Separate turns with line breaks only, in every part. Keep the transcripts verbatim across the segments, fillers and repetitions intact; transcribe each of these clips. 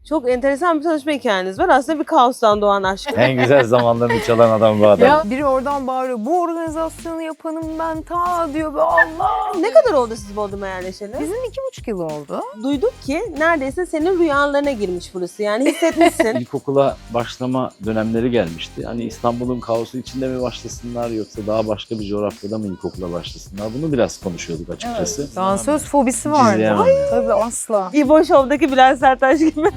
Çok enteresan bir tanışma hikayeniz var. Aslında bir kaostan doğan aşk.
En güzel zamanlarını çalan adam bu adam.
Ya biri oradan bağırıyor. Bu organizasyonu yapanım ben ta diyor. Be Allah.
Ne kadar oldu siz Bodrum'a yerleşeli?
Bizim iki buçuk yıl oldu.
Duyduk ki neredeyse senin rüyalarına girmiş burası. Yani hissetmişsin.
İlkokula başlama dönemleri gelmişti. Hani İstanbul'un kaosu içinde mi başlasınlar yoksa daha başka bir coğrafyada mı ilkokula başlasınlar? Bunu biraz konuşuyorduk açıkçası.
Dansöz fobisi vardı.
İzleyemem.
Tabii asla.
İbo Show'daki Bülent Serttaş gibi.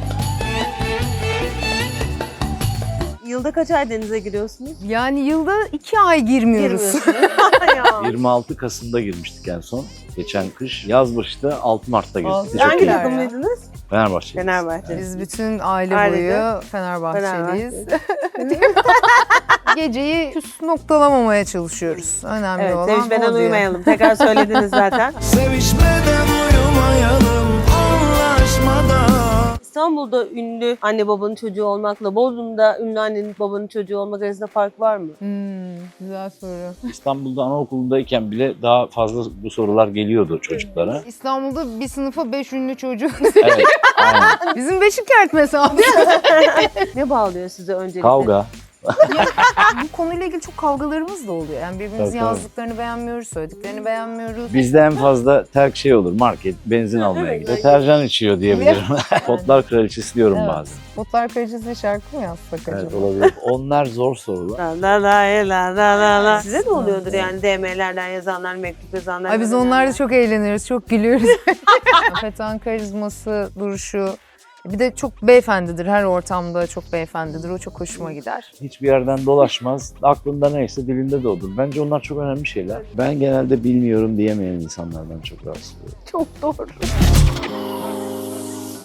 Yılda kaç ay denize giriyorsunuz?
Yani yılda iki ay girmiyoruz.
Ya.
yirmi altı Kasım'da girmiştik en son. Geçen kış. Yaz başı da altı Mart'ta girdik.
Altı-
Çok
Hangi
iyi.
Hangiler
takımlıydınız?
Fenerbahçe.
Fenerbahçe.
Biz bütün aile
Ailece.
boyu Fenerbahçeliyiz.
Fenerbahçe.
Geceyi küs noktalamamaya çalışıyoruz. Önemli
Evet,
olan
sevişmeden
o diyor.
uyumayalım. Tekrar söylediniz zaten.
Sevişmeden uyumayalım anlaşmadan.
İstanbul'da ünlü anne babanın çocuğu olmakla Bodrum'da ünlü annenin babanın çocuğu olmak arasında fark var mı?
Hmm, güzel soru.
İstanbul'da anaokulundayken bile daha fazla bu sorular geliyordu çocuklara.
İstanbul'da bir sınıfa beş ünlü çocuk.
Evet, aynen.
Bizim Beşikert mesafesi.
Ne bağlıyor size öncelikle?
Kavga.
Bu konuyla ilgili çok kavgalarımız da oluyor. Yani birbirimizin
Tabii, tabii.
yazdıklarını beğenmiyoruz, söylediklerini beğenmiyoruz.
Bizde en fazla terk şey olur, market, benzin almaya
Evet.
gidiyor. Deterjan içiyor diyebilirim. Potlar kraliçesi diyorum
Evet.
bazen.
Botlar Kraliçesi şarkı mı yazsak
Evet,
acaba?
olabilir. Onlar zor sorular.
La la la la la la la. Size de oluyordur yani D M'lerden yazanlar, mektup yazanlar.
Ay biz
gönderenler.
onlarla çok eğleniyoruz, çok gülüyoruz. Fetan karizması, duruşu. Bir de çok beyefendidir, her ortamda çok beyefendidir. O çok hoşuma gider.
Hiçbir yerden dolaşmaz. Aklında neyse dilinde de odur. Bence onlar çok önemli şeyler. Ben genelde bilmiyorum diyemeyen insanlardan çok rahatsız oluyorum.
Çok doğru.